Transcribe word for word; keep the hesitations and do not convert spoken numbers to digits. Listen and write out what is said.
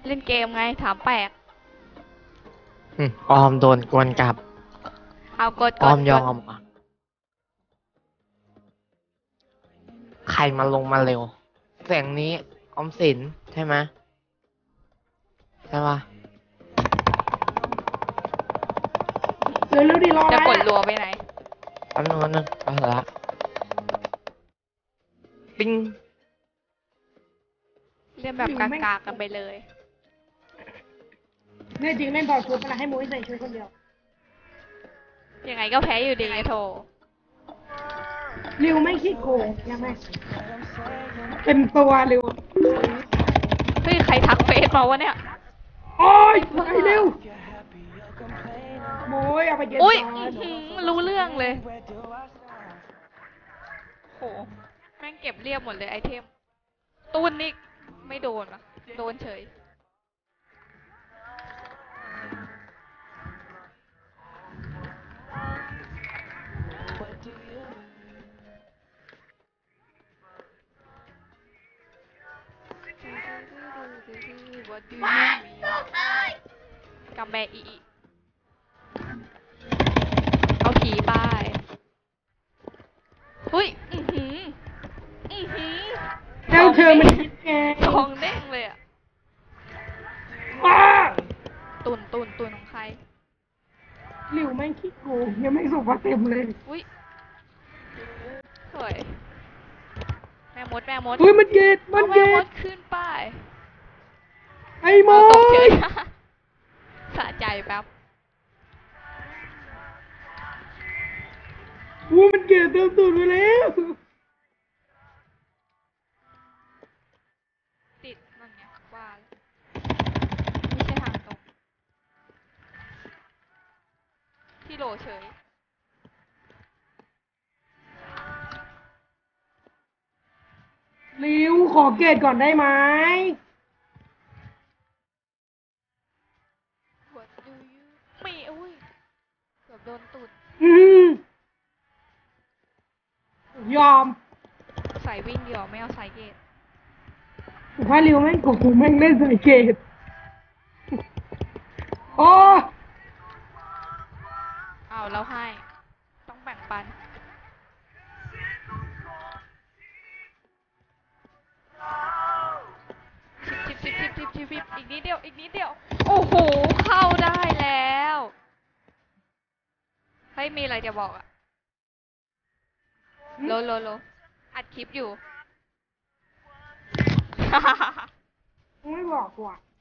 เล่นเกมไงถามแปลกอืมออมโดนกวนกลับเอากดออมยอกดกดมอ่ะใครมาลงมาเร็วเสียงนี้ออมสินใช่ไหมใช่ปะเร็วเร็วดิรอจะแล้วกดรัวไปไหนแป๊บนึงแป๊บนึงไปเถอะละปิ้งเล่นแบบกากๆกันไปเลยเนี่ยจริงเล่นบอลชุดมาให้มุ้ยใส่ชุดคนเดียวยังไงก็แพ้อยู่ดีโถริวไม่ขี้โกงยังไงเต็มตัวริวเฮ้ยใครทักเฟซมาวะเนี่ยโอ้ยไอ้ริวมุ้ยเอาไปเก็บอุ้ยก่อนรู้เรื่องเลยโหแม่งเก็บเรียบหมดเลยไอเทมตูนนี่ไม่โดนอะโดนเฉยกับแม่อีเอาผีไปเฮ้ยอือหืออือหือเจ้าเธอมันคิดไงทองเด้งเลยอะป้าตุนตุนตุนของใครริวไม่ขี้โกงยังไม่ส่งมาเต็มเลยอุ้ยสวยแม่มดแม่มดเฮ้ยมันเกตมัเอานเกแม่มดตขึ้นไปไอ้โมเอาตกเฉยยสะใจแป๊บวูมันเกตเติมตูดไปแล้วติดนั่นไงว่าไม่ใช่ทางตรงที่โหลเฉยริวขอเกตก่อนได้ไหมหัวยูยูไม่อุ้ยเกือบโดนตุดอืมยอมใส่วิ่งเดียวไม่เอาใส่เกตผมว่าริวแม่งโกงแม่งเล่นใส่เกตโอ้เอาแล้วให้ต้องแบ่งปันชิบชิบชิบชิบชิบชิบอีกนิดเดียวอีกนิดเดียวโอ้โหเข้าได้แล้วเฮ้ยมีอะไรจะบอกอะโลโลโลอัดคลิปอยู่ไม่บอกว่ะ